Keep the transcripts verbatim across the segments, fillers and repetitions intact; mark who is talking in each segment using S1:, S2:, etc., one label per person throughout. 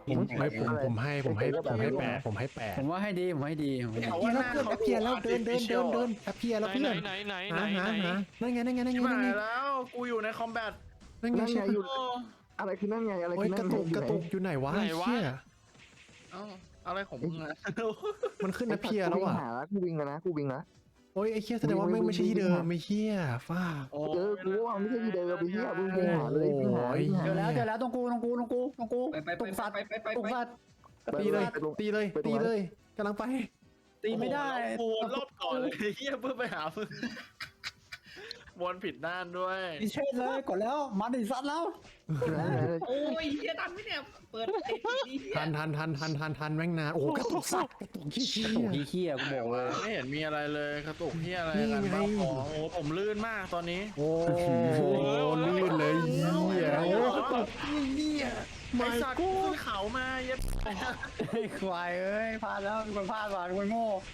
S1: ผมไม่ผมผมให้ผมให้ผมให้แปดผมให้แปด
S2: ผมว่าให้ดีผมให้ดีผมให้ดี
S3: เอา
S1: เพีย
S3: ว่า
S1: แล้ว
S3: หน้า
S1: เพื่อน
S3: เขา
S1: แอปเพียแล้วเดินเดินเดินเดินแอปเพียแล้ว
S4: ไหน
S1: เพื่อน
S4: ไหนไหนไหน
S1: หา
S4: ไหน
S1: หา
S4: ไหน
S1: หานั่นไงนั่นไงนั่นไง
S3: ชิบ
S1: นั่น
S3: หา
S1: ไง
S3: ยแล้วกูอยู่ในคอมแบท
S1: นั่นไง
S5: นั่นไง
S1: ใช่
S5: อยู่อะไรคือนั่นไงอะไร
S1: โอ้
S5: คื
S1: ย
S5: อก นั่
S1: ระ
S5: นไง
S1: ตุก
S5: อก
S1: ระ
S5: ยู่ไหน
S1: ตุกอยู่ไหนวะ
S4: ไหน
S1: ไอ้
S4: วะ
S1: เชี่ย
S3: เอ้าอะไรของมึงอะ
S1: มันขึ้นแอปเพียแล้วอ่ะ
S5: กูวิ่งหาแล้วกูวิ่งแล้วนะกูวิ่งนะ
S1: โอ้ยไอ้เชี่ยแสดงว่าไม่ไม่ใช่ที่เดิมไม่เชี่ยฟ้า
S3: โอ้
S5: เออกูว่าไม่ใช่ที่เดิมไปเหี้ยมึงวิ่งหาเลยวิ่งหาวิ่งหา
S2: เจอแล้วเจอแล้วตรงกูตรงกูตรงกูตรงกู
S6: ไปไปไป
S2: ตรงสัตว์
S6: ไปไปไป
S2: ตรง
S6: ไป
S2: สัตว์
S1: ตีเลยตีเลยตีเลยกำลังไป
S2: ตีไม่ได้
S3: โอ้โหรอบก่อนเลยเฮียเพื่อไปหามึงวนผิดด้านด้วย
S2: ดิเชนเลยกดแล้วมาดิสัตว์แล้ว
S6: โอ้ยเฮียทันไหมเนี่ยเปิดไอ้ทีเฮีย
S1: ทันทันทันทันทันทันแม่งนานโอ้โหกระตุกสัตว์กระตุกขี้เชี่ย
S2: ถูกที่เขี้ยกูบอกเลย
S3: ไม่เห็นมีอะไรเลยกระตุกเฮียอะไร
S1: นี่
S3: กัน
S1: ไง
S3: บ้าบอโอ้โหผมลื่นมากตอนนี้
S1: โอ้โหลื่นเลยเหี้ยโอ้กระตุกเนี่ย
S3: ไอ
S1: ไม่
S3: สัตว์
S1: กู
S3: ขึ้นเขามาเย็บ
S2: ไอ้ควายเอ้ยพลาดแล้วมีคนพลาดว่ะมีคนโง่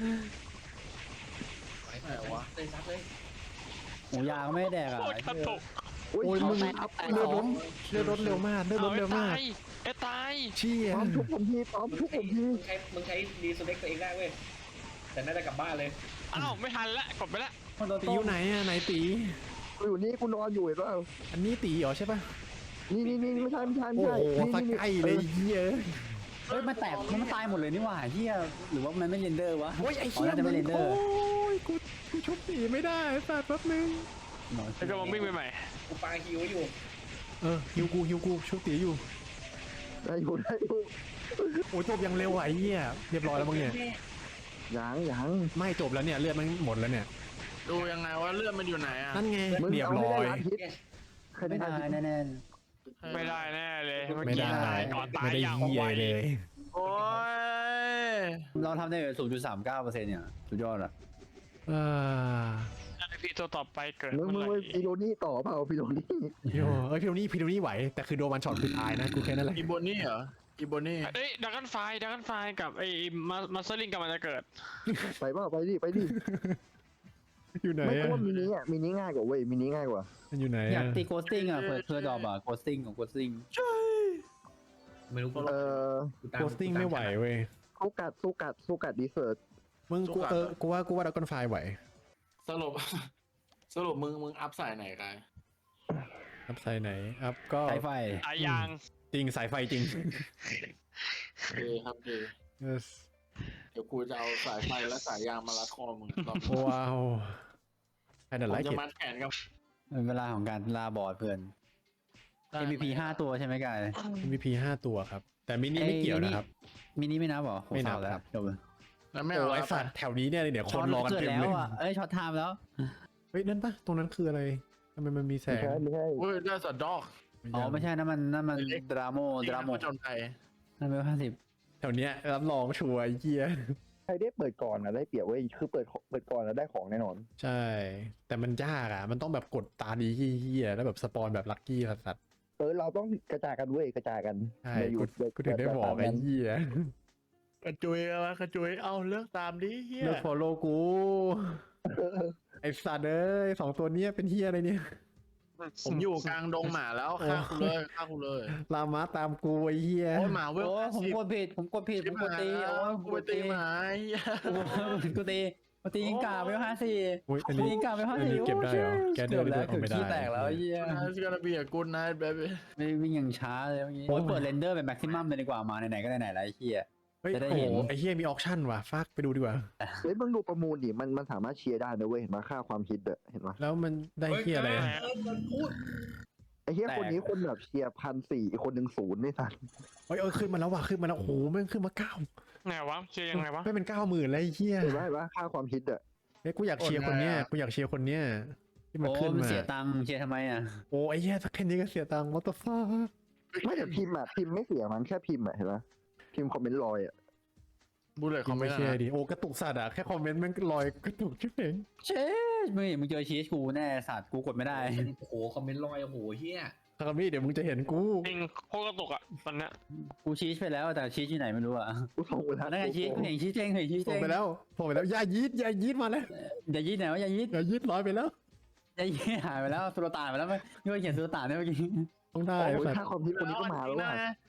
S6: ไปไปวะเลยซัดเลย
S2: หมูยางไม่แดกอ่ะ
S4: โคตรกระตุก
S5: โอ้ย
S1: โอ้ยมึง
S5: แตกแตก
S1: เรือ
S5: ส
S1: ร
S5: อง
S1: ถเรือรถเร็วมากเรือร
S4: เอา
S1: ถ
S4: ไอ้
S1: เร็วมาก
S4: ตายไอ้ตาย
S1: เชี่ย
S5: พร้อมทุกผมทีพร้อมทุกผมที
S6: มึงใช้มึงใช้รีสเล็กตัวเองได้เว้ยแต่น่าจะกลับบ้านเลย
S4: อ้าวไม่ทันละกดไปละ
S2: คนโดน
S1: ตี
S2: ต้
S1: อ
S2: ม
S1: ยู่ไหนอ่ะไหนตี
S5: กูอยู่นี่กูนอนอยู่เห็นป่ะ
S1: อันนี้ตีเหรอใช่ป่ะ
S5: นี่นี่นี่ไม่ใช่ไม่ใช่ไม่
S1: โอ้
S5: ใช่
S1: โหสัก
S5: นี่
S1: ใกล้เลยเหี้ย
S2: เฮ้ยมันแตกมันตายหมดเลยนี่หว่าเฮียหรือว่ามันไม่เรนเดอร์วะ
S1: โอ้ยไอ้เชี่ย
S2: น่าจะไม่เรนเดอ
S1: โอ้
S2: ร์
S1: ยกูกูชุบตีไม่ได้สัตว์แป๊บนึง
S4: แล้วก็มาวิ่งไปใหม่
S6: กูปาฮิวอยู่
S1: เออฮิวกูฮิวกูชุบตีอยู่
S5: ได้อยู่ได้อยู่
S1: โอ้ยจบยังเร็วอ่ะไอ้เหี้ยเรียบร้อยแล้วมึงเนี่ย
S5: ยังยัง
S1: ไม่จบแล้วเนี่ยเลือดมันหมดแล้วเนี่ย
S3: ดูยังไงว่าเลือดมันอยู่ไหนอะ
S1: นั่นไง
S5: มึง
S1: เรียบ
S5: เอา
S1: ร้
S5: ไม่
S1: อ
S5: ได้
S1: ย
S5: ล้านฮิตใครได้
S2: ไม่
S5: ล้าน
S2: ได้
S5: ฮิต
S2: แน่
S4: ไม่ได้แน่เลยเมื่อ
S1: ไม่
S4: กี้
S1: ได้
S4: ตายก่อนตา
S1: ไม่
S4: ย
S1: ได้
S4: อย่าง
S1: เหี้ย
S4: ไว
S1: เลย
S3: โอ้ย
S2: ๆเราทำได้ศูนย์จุดสามเก้าเปอร์เซ็นต์เนี่ยสุดยอดอ่ะ
S1: อ่า
S4: พี่ตัวต่อไปเกิด
S5: มึง
S4: เมื่
S5: มึ
S4: อง ไหร่
S5: ฟิโลนี่ต่อเปล่าฟิโลนี่
S1: โยเอ้ยพี่โดนี่พี่โดนี่ไหวแต่คือโดนวันช็อตคือตายนะกูแค่นั้นแหละ
S3: อีโบนี่เหรออีโบนี่
S4: เอ้ยดักกันไฟดักกันไฟกับไอ้มามาสเตอร์ลิงกับมันจะเกิด
S5: ไปเปล่าไปดิไปดิ
S1: อยู่ไหน
S5: ไม่
S1: อะ
S5: ก็ว่ามินิอ่ะมินิง่ายกว่าเว้ยมินิง่ายกว่า
S1: มันอยู่ไหน
S2: อยาก
S1: อะ
S2: ตีโกสติ้งอ่ะเผื่อเผื่อดรอปอ่ะโกสติ้งของโกสติ้ง
S6: ไม่รู้กู
S5: เออ
S6: ตา
S1: โพสติ้งไม่ไหวเว้ย
S5: สู้กัดสู้กัดสู้กัดดีเซิร์ต
S1: มึงกูเออกูว่ากูว่าดักอนไฟไหว
S3: สรุป สรุปมึงมึงอัพสายไหนกัน
S1: อัพไซด์ไหนอัพก็
S2: ใช้ไฟ
S4: ตายยาง
S1: จริงสายไฟจริง
S3: ดีครับดี
S1: yes
S3: เดี๋ยวกูจะเอาสายไฟและสายยางมารัดคอมึงตอน
S1: ว้าวไอ้
S3: ผ
S1: นั่น
S3: ม
S1: ไล
S3: จะ
S1: ค์
S3: มัดแขนกับ
S2: เป็นเวลาของการลาบอร์ดเพื่อน เอ็ม วี พี ห้าตัวใช่ไหมกาย
S1: มี มี พี ห้าตัวครับ แต่มินิไม่เกี่ยวนะครับ
S2: มินิไม่นับเหรอโห
S1: ไม่นับ
S2: เศาแล้ว
S1: ครับ
S2: จบเลย
S3: แล้วไม่
S1: โอ้
S3: เอา
S1: ไอ้สัตว์แถวนี้เนี่ยเดี๋ยวคนรอกัน
S2: เกิด
S1: เต็ม
S2: แล้
S1: เล
S2: วย อ่ะเอ้ยช็อตไทม์แล้ว
S1: เฮ้ยนั่นปะตรงนั้นคืออะไรทำไมมันมีแส
S5: ไม่
S1: ง
S5: ใช่ไม่ใช่
S3: เฮ้ยได้สัตว์ดอก
S2: อ๋อไม่ใช่นั่นมันนั่นมัน
S3: เล็ก
S2: ดราโมดราโม
S3: จนไป
S2: นั่นเป็นห้าสิบ
S1: แถวเนี้ยรับรองชัวร์ไอ้เหี้ย
S5: ใครได้เปิดก่อนอ่ะได้เปรียบเว้ยคือเปิดเปิดก่อนแล้วได้ของแน่นอน
S1: ใช่ แต่มันยากอ่ะ มันต้องแบบกดตาดีเหี้ยๆแล้วแบบสปอนแบบลัคกี้สัตว์
S5: เออเราต้องกระจายกันเว้ยกระจายกัน
S1: ใช่
S5: อย่าอยู่
S1: กูกูถึงได้บอกไอ้เหี้ย
S3: กระจุยเอากระจุยเอาเลือกตามดิเฮีย
S1: เลิกฟอลโล่กู ไอ้สัตว์เอ้ยสองตัวเนี้ยเป็นเหี้ยอะไรเนี่ย
S3: ผมอยู่กลางดงหมาแล้วฆ่ากูเลยฆ่ากูเลย
S1: ลามาตามกูไอ้เหี้ย
S3: โอ้ยหมาเวล
S2: โอ้ยผม
S3: สิบ
S2: กดผิดผมกดผิดผมกดตีโอ้ย
S3: กูไปตีหมาไอ้เหี้ย
S2: กูตีกูตียิงกาไปห้าสี่
S1: อุ้ยอัน
S2: ตี
S1: นี้
S2: ยิงกาไปห้า
S1: อัน
S2: สี่
S1: นี้เก็บได้เหรอแกเดิ
S2: เกือน บ
S1: เดิ
S2: แล้ว
S1: นออก
S2: เกือบ
S1: ไม่ได้
S2: ขี้แตกแล้วไอ้เหี้ย
S3: It's gonna be a good night baby
S2: ไม่วิ่งอย่างช้าเลยเมื่อกี้โอ้ยเปิดเรนเดอร์เป็นแม็กซิมัมเลยดีกว่ามาไหนๆก็ไหนๆแล้วไอ้เหี้ย
S1: เฮ้ย
S2: จะได้
S1: โอ้
S2: เห็
S1: โห
S2: น
S1: ไอ้เหี้ยมีออคชั่นว่ะฟักไปดูดีกว่า
S5: เฮ้ยมึงดูประมูลดิมันมันสามารถเชียร์ได้นะเว้ยเห็นไหมค่าความคิดอะเห็นไหม
S1: แล้วมันได้เหี้ยอะไรอะ
S6: เออมันพูด
S5: ไอ้เฮียคนนี้คนแบบเชียร์พันสี่อีกคนหนึ่งศูนย์ไม่ทัน
S1: เฮ้ยเออขึ้นมาแล้วว่ะขึ้นมาแล้วโอ้โหแม่งขึ้นมาเก้า
S4: ไงวะเชียร์ยังไงวะ
S1: ไม่เป็นเก้าหมื่นเลยไอ้เหี้ย
S5: เห็นไหมเห็นไหมค่าความคิดอะ
S1: เฮ้ยกูอยากเชียร์คนเนี้ยกูอยากเชียร์คนเนี้ยที่มัน
S2: โอ้
S1: ขึ้น
S2: มัน
S1: มา
S2: เสียตังค์เชียร์ทำไมอ่ะ
S1: โอ้ไอ้เหี้ยสักแค่นี้ก็เสียตังค์ what the fuck
S5: ไม่แต่พิมพ์อะพิมพ์ไม่เสียมันแค่พิมพ์อะเห็นไหมพิมพ์คอมเมนต์ลอยอะ
S3: บูเลตคอมเม
S1: ไม่
S3: นต์
S1: เชื่อ
S3: นะ
S1: ดิโอ้กระตุกสัตว์อะแค่คอมเมนต์แม่งลอยกระตุกชิบเอง
S2: เช่มึงมึงเจอชีสกูแน่สัตว์กูกดไม่ได้
S6: โอ้โหคอมเมนต์ลอยโอ้โหเฮีย
S1: คามี่เดี๋ยวมึงจะเห็นกู
S4: จริงโคตรกระตุกอ่ะตอนเนี้ย
S2: กูชีสไปแล้วแต่ชีสที่ไหนไม่รู้อ่ะ
S5: กูส่งไปแล้ว
S2: นั่นไงชีสกูเห็นชีสเจ๊งเห็นชีส
S1: ส่
S2: เจ๊
S1: ง
S2: ง
S1: ไปแล้วส่งไปแล้วอย่ายีดอย่ายีดมาแล้ว
S2: อย่ายีดไหนวะอย่ายีด
S1: อย่ายีดลอยไปแล้ว
S2: อย่ายีดหายไปแล้วสุลต่านไปแล้วไม่ไม่เขียนสุลต่านได้เมื่อกี้
S1: ต้องได้
S5: โอ้ย
S1: สัต
S5: ค่า
S1: ว์
S5: ความคิดคนนี้ก็มาแล้วว่ะ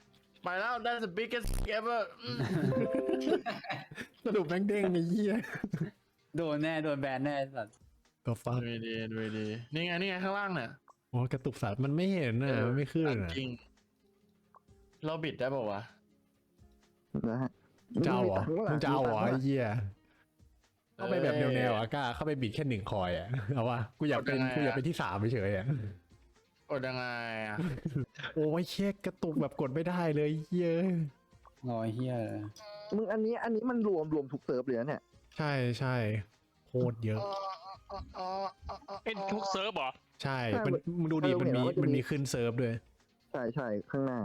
S3: ไปแล้ว that's the biggest ever อืม
S1: สรุปแม่งเด้งไอ้เหี้ย
S2: โดนแน่โดนแบนแน่สัตว์
S1: ก็ฟัง
S3: ดูดีดูดีนี่ไงนี่ไงข้างล่างเนี่ย
S1: โอ้กระตุกสัตว์มันไม่เห็นน่ะมันไม่ขึ้นน่ะ
S3: จริงเราบิดได้ป่าวะ
S5: นะฮะ
S1: เจ้าเหรอมึงจะเอาเหรอไอ้เหี้ย
S3: เอ้ย
S1: เข้าไปแบบแนวๆอ่ะกล้าเข้าไปบิดแค่หนึ่งคอยอ่ะเอาวะกูอยากเป็น
S3: กดยังไงอะ
S1: กูอยากเป็นที่สามเฉยๆอ่ะ
S3: กดยังไงอ่ะ
S1: โอ้ยเช็คกระตุกแบบกดไม่ได้เลยเหี้ย
S2: งอเฮียเลย
S5: มึงอันนี้อันนี้มันรวมรวมทุกเซิร์ฟเลยนะเนี่ย
S1: ใช่ใช่โคตรเยอะ
S4: เอ็นทุกเซิร์ฟเหรอ
S1: ใช่มันมึงดูดิมันมีมันมีขึ้นเซิร์ฟด้วย
S5: ใช่ใช่ข้างหน้า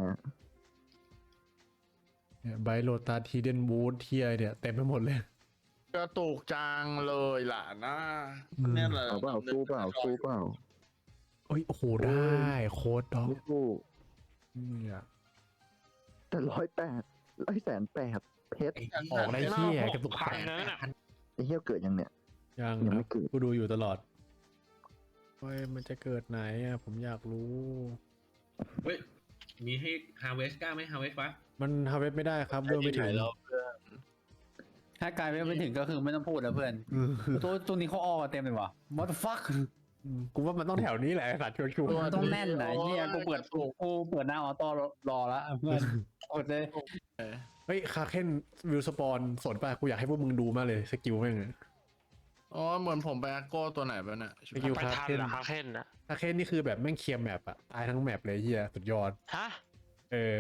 S1: ไบโรตาทีเดนบูธเทียเนี่ยเต็มไปหมดเลย
S3: กระตุกจังเลยล่ะนะ
S1: อืม
S3: เนี่ยแหละ
S5: เอาเปล่าสู้เปล่าสู้เปล่า
S1: โอ้ยโอ้โหได้โคตรด็อก
S5: ไม่สู้
S1: เนี่ย
S5: แต่ร้อยแปดร้อยแสนแปดเพชร
S1: ออกได้เที่ยกระตุก
S4: พั
S1: แป
S4: น
S1: ด
S4: นั้นน่ะ
S5: ไอ้เหี้ยเกิดยังเนี่ย
S1: ยัง
S5: ยัง
S1: นะ
S5: ไม่เกิด
S1: กูดูอยู่ตลอดเฮ้ยมันจะเกิดไหนอ่ะผมอยากรู้
S6: เฮ้ย มีให้ harvest กล้าไหม harvest วะ
S1: มันฮาเวสไม่ได้ครับเรื่องไม่ถึง
S3: แล้ว
S2: ถ้ากลายไม่ถึงก็คือไม่ต้องพูดแล้วเพื่อน
S1: อืม
S2: ตัวตัวนี้เขาออกเต็มเลยวะ what the fuck
S1: กูว่ามันต้องแถวนี้แหละไอ้สัตว์ชัวร์
S2: มันต้องแน่นนะเฮียกูเปิดกูเปิดหน้าออโต้รอแล้วเพื่อนกดเลย
S1: ๆเฮ้ยคาเคนวิวสปอนสนป่ะกูอยากให้พวกมึงดูมากเลยสกิลแม่งอะ
S3: อ๋อเหมือนผมไปแอคโก้ตัวไหนไปเนี่ย
S1: สกิล
S4: ไป
S1: คา
S4: ทัน
S1: เคน
S4: เหรอคาเคนนะ
S1: คาเคนนี่คือแบบแม่งเคลียร์แมปอะตายทั้งแมปเลยเฮียสุดยอด
S4: ฮะ
S1: เออ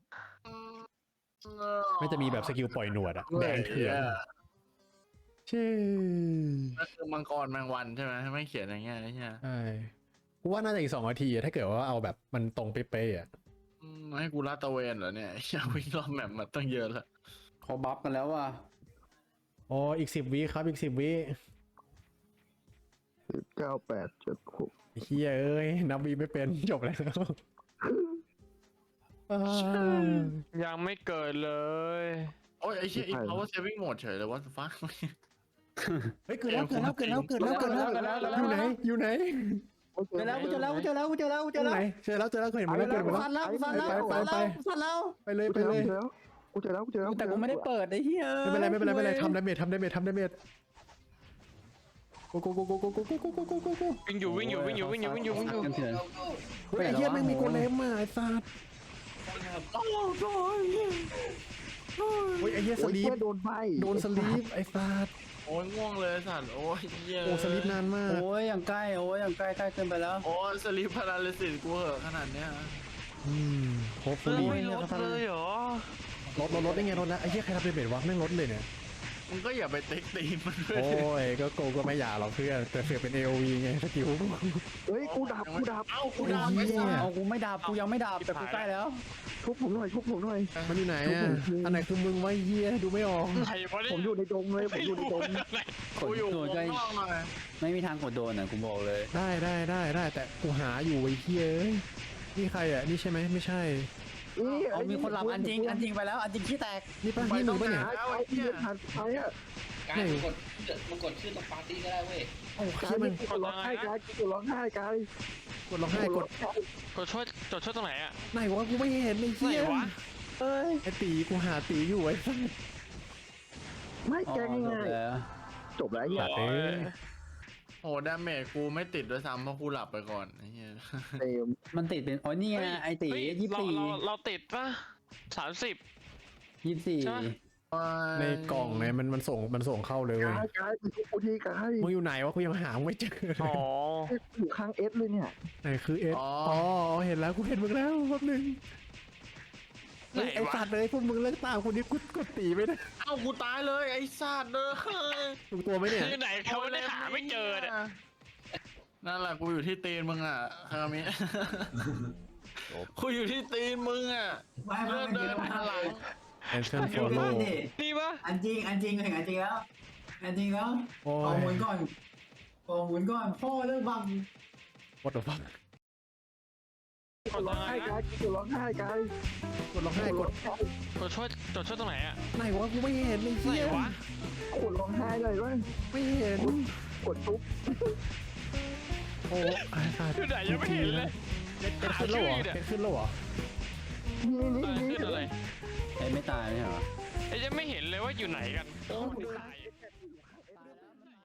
S1: ไม่จะมีแบบสกิลปล่อยหนวดอะแดงเถื่อนใช่
S3: นั่นคือมังกรแมงวันใช่ไหมไม่เขียนอย่างเงี้ยใช่ไหม
S1: ใช่กูว่าน่าจะอีกสองนาทีอะถ้าเกิดว่าเอาแบบมันตรงเป๊ะๆอะ
S3: อืมให้กูลาดตระเวนเหรอเนี่ยอยากวิ่งรอบแมปมาตั้งเยอะแล้ว
S2: เขาบัฟกันแล้วว่ะ
S1: อ๋ออีกสิบวิครับอีกสิบวิ
S5: สิบเก้าแปดเจ็ดหก
S1: เฮียเอ้ยนับวีไม่เป็นจบแล้วอ่า
S4: ยังไม่เกิดเลย
S3: โอ้ยไอ้เชี่ยอี power saving mode เฉยเลยว่าฟ้า
S1: เฮ้ยเกิดแล้วเกิดแล้วเกิดแล้วเกิดแล้วเกิดแล้วอยู่ไหนอยู่ไหน
S2: เจอแล้วกูเจอแล้วกูเจอแล้วกูเจอแล้วกูเจอแล้ว
S1: ไหนเจอแล้วเจอแล้วเคยเห็นมันแล้วเกิดหมดแล้ว
S2: ฟันแล้วฟันแล้ว
S1: ไปไปไป
S2: ฟันแล้ว
S1: ไปเลย
S5: กู
S1: ไป
S5: เจอ
S1: เลย
S5: แล้วกูเจอแล้วกูเจอแล้ว
S2: แต่กูไม่ได้เปิดไอ้เหี้ย
S1: ไม่เป็นไรไม่เป็นไรไม่เป็นไรทำดาเมจทำดาเมจทำดาเมจโกโกโกโกโกโกโกโกโกโกโกโก
S4: วิ่งอยู่วิ่งอยู่วิ่งอยู่วิ่งอยู่วิ่งอยู่วิ่งอยู่
S2: กันเถื่อน
S1: เฮ้ยไอ้เหี้ยแม่งมีโกเลมอ่ะไอ้สัสเฮ้ยไอ้เหี้ยส
S5: โอ้ย
S1: ลี
S5: เหี้
S1: ป
S5: ยโดนใบ
S1: โดนสลีปไอ้สัส
S3: โอ้ยง่วงเลยสัตว์โอ้ยเหี้ย
S1: โอ้สลีปนานมาก
S2: โอ้ยอย่างใกล้โอ้ยอย่างใกล้ใกล้เกินไปแล้ว
S3: โอ้ยสลีปพาราลิซิสกูเหอะขนาดเนี้ย
S1: อืมโฮป
S4: เฮ้
S1: ลี
S4: ยลดเลยเหรอ
S1: ลดลดลดได้ไงลดแล้วไอ้เหี้ยใครทำดาเมจวะแม่งลดเลยเนี่ย
S3: มึงก็อย่าไปติ๊กตีนมันด้วย
S1: โอ้ยก็โกก็ไม่อยากหรอกเพื่อนแต่เสือกเป็น เอ โอ วี ไงสกิล
S5: เฮ้ยกูดับกูดับ
S3: เอ้ากู
S1: ไอ้
S3: ดาว
S1: เหี้ย
S2: เอากูไม่ดับกูยังไม่ดับแต่กูใกล้แล้ว
S5: ทุบผมหน่อยทุบผมหน่อย
S1: มันอยู่ไหนอ่ะอันไหนคือมึงวะไอ้เหี้ยดูไม่ออก
S4: ใครวะเนี่ย
S5: ผมอยู่ในดงเลยผมอยู่ในดง
S2: ก
S3: กู
S2: ด
S3: อยู่
S2: โดน
S3: ข้า
S2: ใกล้
S3: งนอกหน่อย
S2: ไม่มีทางกดโดนอ่ะกูบอกเลย
S1: ได้ได้ได้ได้แต่กูหาอยู่ไอ้เหี้ยเอ้ยนี่ใครอ่ะนี่ใช่ไหมไม่ใช่
S5: นี่
S2: เอามีคนหลับอันจริงอันจริงไปแล้วอันจริงขี้แตก
S1: นี่ป้านี่มึงปะเนี่ย
S5: ไอ้ที่ผ่านไปอ่ะ
S6: การมากดมากดชื่อตรงปาร์ตี้ก็ได้เว้ย
S1: โอ้
S5: กา
S1: เหี้
S5: ย
S1: ย
S5: มั
S1: มัน น
S5: กูร้องไห้กายกูร้องไห้กาย
S1: กดร้องไห้กด
S4: กดช่วยกดช่วยตรงไหนอ่ะ
S1: ไหนวะกูไม่เห็นไอ้
S4: ไหน
S1: เหี้ยว
S4: ะ
S1: เอ้ยไอ้ตีกูหาตีอยู่ไอ้สัส
S5: ไม่
S2: อ๋อ
S5: แก
S2: จ
S5: ง่า
S2: บ
S5: ย
S2: แล้ว
S5: จบแล้วไอ้เหี้ย
S1: เอ้ย
S3: โอ้ดาเมจกูไม่ติดด้วยซ้ำเพราะกูหลับไปก่อนไอ้เหี้ย
S5: เต็ม
S2: มันติดเป็นอ๋อนี่ไงไอตี
S4: เฮ้ย
S2: ยี่สิบ
S4: เรา
S2: สี่
S4: เราเราติดปะสามสิบ
S2: ยี่สิบสี่
S4: ใช่ปะ
S1: ในกล่องไงมันมันส่งมันส่งเข้าเลยเว้ย
S5: กายกายไปทุบกูทีกาย
S1: มึงอยู่ไหนวะกูยังหามึงไม่เจอ
S4: อ๋อ
S5: อยู่ข้างเอสเลยเนี่ย
S1: ไหนคือเอสอ๋อเห็นแล้วกูเห็นมึงแล้วแป๊บนึง
S4: ไหน
S1: ไอ้
S4: วะ
S1: สัตว์เลยพวกมึงเลิกตามคนนี้กูกดตีไม่ได้
S3: เอ้ากูตายเลยไอ้สัตว์เลย
S1: ถูกตัวไหมเนี่ย
S4: คือไหนเขาไม่ได้หาไม่เจอเนี่ย
S3: นั่นแหละกูอยู่ที่ตีนมึงอ่ะคามิกูอยู่ที่ตีนมึงอ่ะเลื่อนเดินมาหลัง
S1: แอนเซนฟอลโล่
S4: นี่ปะ
S7: อันจริงอันจริงเห็นอันจริงแล้วอันจริงแล้ว
S1: โอ้
S7: เอา
S1: ย
S7: หมุนก่อนเอาหมุนก่อนพ่อเลิกบัง
S1: what the fuck
S4: กด
S5: ร้
S4: ยั
S5: อง
S4: งไง
S5: ไห้กา
S4: นะ
S5: ยกูร้องไห้กาย
S1: กดร้องไห้กด
S4: กดช่วยกดช่วยตรงไหนอ่ะ
S1: ไหนวะกูไม่เห็นไอ้
S4: ไหน
S1: เหี้ยว
S4: ะ
S5: กดร้องไห้เลยว่า
S1: ไม่เห็น
S5: กดทุบ
S1: โอ้ไอ้สัตว์
S4: คือไหนยังไม่เห็นเลย
S1: เอ็ดขึ้นแล้วเหรอเอ็ดขึ้นแล้วเหรอ
S5: นี่นี่
S4: อะไร
S5: นี่
S4: ขึ้นอะไร
S2: ไอ้ไม่ตายไม่ใช่เหรอ
S4: ไอ้ยังไม่เห็นเลยว่าอยู่ไหนกันโอ้ยตาย